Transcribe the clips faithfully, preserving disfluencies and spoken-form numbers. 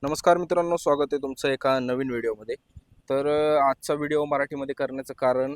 नमस्कार मित्रांनो, स्वागत आहे तुमचं एका नवीन व्हिडिओमध्ये. तर अ, आजचा व्हिडिओ मराठीमध्ये करण्याचं कारण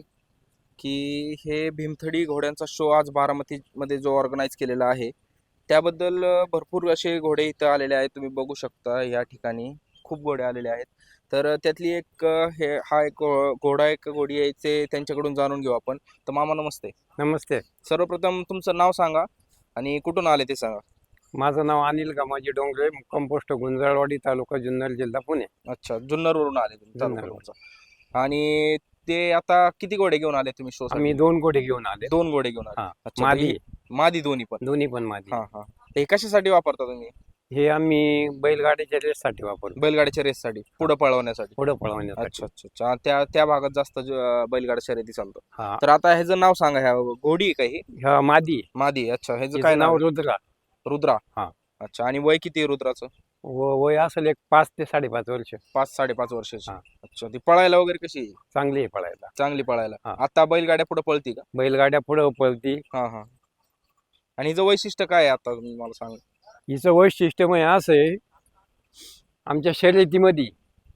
की हे भीमथडी घोड्यांचा शो आज बारामतीमध्ये जो ऑर्गनाईज केलेला आहे त्याबद्दल अ, भरपूर असे घोडे इथं आलेले आहेत. तुम्ही बघू शकता या ठिकाणी खूप घोडे आलेले आहेत. तर अ, त्यातली एक अ, हे हा एक अ, घोडा एक घोडी आहे ते त्यांच्याकडून जाणून घेऊ आपण. तर मामा नमस्ते. नमस्ते. सर्वप्रथम तुमचं नाव सांगा आणि कुठून आले ते सांगा. माझं नाव अनिल गमाजी डोंगरे, मुक्काम पोस्ट गुंजाळवाडी, तालुका जुन्नर, जिल्हा पुणे. अच्छा, जुन्नरवरून आले तुम्ही, तालुका जुन्नरवरून. तुमचा. आणि ते आता किती घोडे घेऊन आले तुम्ही शो आम्ही साठी? दोन घोडे घेऊन आले. दोन घोडे घेऊन आले. हा, अच्छा, तर मादी हे मादी दोन्ही पण? दोन्ही पण मादी. हा हा. ते कशासाठी वापरता तुम्ही? हे आम्ही बैलगाडीच्या रेससाठी वापरतो, बैलगाडीच्या रेससाठी, पुढे पळवण्यासाठी? पुढे पळवण्यासाठी. अच्छा अच्छा अच्छा. त्या त्या भागात जास्त ज- बैलगाडी शर्यती चालतो. हा, तर आता ह्याचं नाव सांगा. ह्या घोडी आहे का ही? ह्या मादी आहे. मादी. अच्छा, ह्याचं हिचं काय नाव नाव आहे? रुद्रा. रुद्रा. हा. अच्छा, आणि वय किती आहे रुद्राचं? व वय असेल एक पाच ते साडेपाच वर्ष. पाच साडेपाच वर्षाची. हा. अच्छा, ती पळायला वगैरे कशी आहे? चांगली आहे पळायला. चांगली पळायला. हा. आता बैलगाड्या पुढे पळती का? बैलगाड्या पुढे पळती. हा हा. आणि हिचं वैशिष्ट्य काय आहे आता तुम्ही मला सांगा. हिचं वैशिष्ट्य म्हणजे असं आहे, आमच्या शर्यतीमध्ये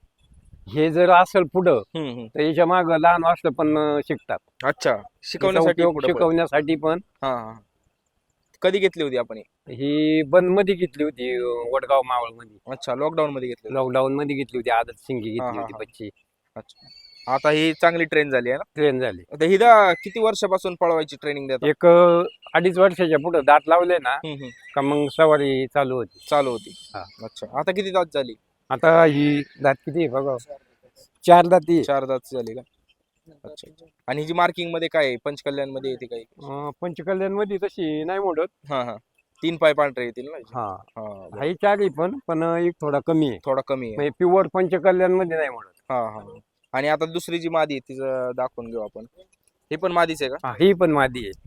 हे जर असेल पुढं हम्म हम्म. तर याच्या माग लहान असलं पण शिकतात. अच्छा, हिचा शिकवण्यासाठी उपयोग पुढं पळ- शिकवण्यासाठी पण. हा हा. कधी घेतली होती आपण ही? ही बंद मध्ये घेतली होती, वडगाव मावळ मध्ये. अच्छा, लॉकडाऊन मध्ये घेतली होती. लॉकडाऊन मध्ये घेतली होती, आदत सिंगी हा, घेतली हा, होती हा. बच्ची. अच्छा, आता ही चांगली ट्रेन झाली आहे ना? ट्रेन झाली. आता हिला किती वर्षापासून पळवायची ट्रेनिंग देतात? एक अं, अडीच वर्षाच्या पुढे दात लावले ना हम्म, हम्म. का मग सवारी चालू होती. चालू होती. हा. अच्छा, आता किती दात झाली? आता ही दात किती आहे बघा, चार दाती आहे. चार दात झाली का? अच्छा. आणि हिची मार्किंग मध्ये काय आहे? पंचकल्याण मध्ये येते काही? अं, पंचकल्याण मध्ये तशी नाही मोडत. हा हा. तीन पाय पांढरे येतील ना हिचे? हा, हा, बरं. हाही चार आहे पण पण एक थोडा कमी आहे, थोडा कमी आहे. म्हणजे प्युअर पंचकल्याण मध्ये नाही मोडत. हा हा. आणि आता दुसरी जी मादी आहे तिचं दाखवून घेऊ आपण. ही पण मादीच आहे का? हा, ही पण मादी आहे.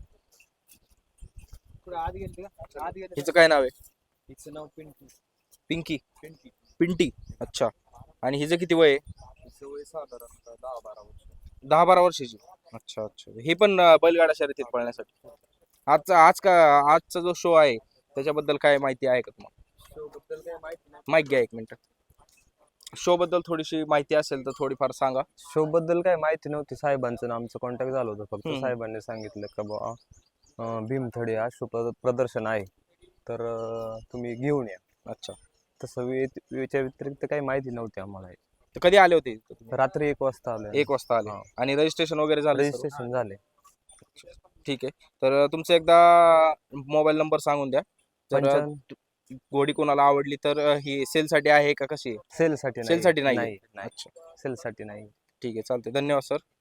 हिचं काय नाव आहे? हिचं नाव पिंटू. पिंकी. पिंटी. पिंटी. अच्छा. आणि हिचं किती वय आहे? हिचं वय साधारणतः दहा बारा वर्ष. दहा बारा वर्षाची. अच्छा अच्छा. हे पण अं, बैलगाडा शर्यतीत पळण्यासाठी. आजचा आज का आजचा जो शो आहे त्याच्याबद्दल काय माहिती आहे का तुम्हाला? शो बद्दल काही माहिती नाही. माहिती घ्या एक मिनिट. शो बद्दल थोडीशी माहिती असेल तर थोडीफार सांगा. शो बद्दल काही माहिती नव्हती. साहेबांचं आमचं कॉन्टॅक्ट झालं होतं. फक्त हम्म. साहेबांनी सांगितलं का बुवा अं, भीमथडी हा शो प्रद- प्रदर्शन आहे, तर अं, तुम्ही घेऊन या. अच्छा. तसं वे- याच्या व्यतिरिक्त काही माहिती नव्हती आम्हाला. तर कधी आले होते इथं तुम्ही? रात्री एक वाजता आलो. एक वाजता आले. हा. आणि रजिस्ट्रेशन वगैरे झालं सर्व? रजिस्ट्रेशन झाले. ठीक आहे. तर तुमचं एकदा मोबाईल नंबर सांगून द्या. जर पंचावन्न घोडी कोणाला आवडली तर ही सेलसाठी आहे का कशी आहे? सेलसाठी सेलसाठी नाहीये? नाही नाही अच्छा, सेलसाठी नाही. ठीक आहे, चालते. धन्यवाद सर.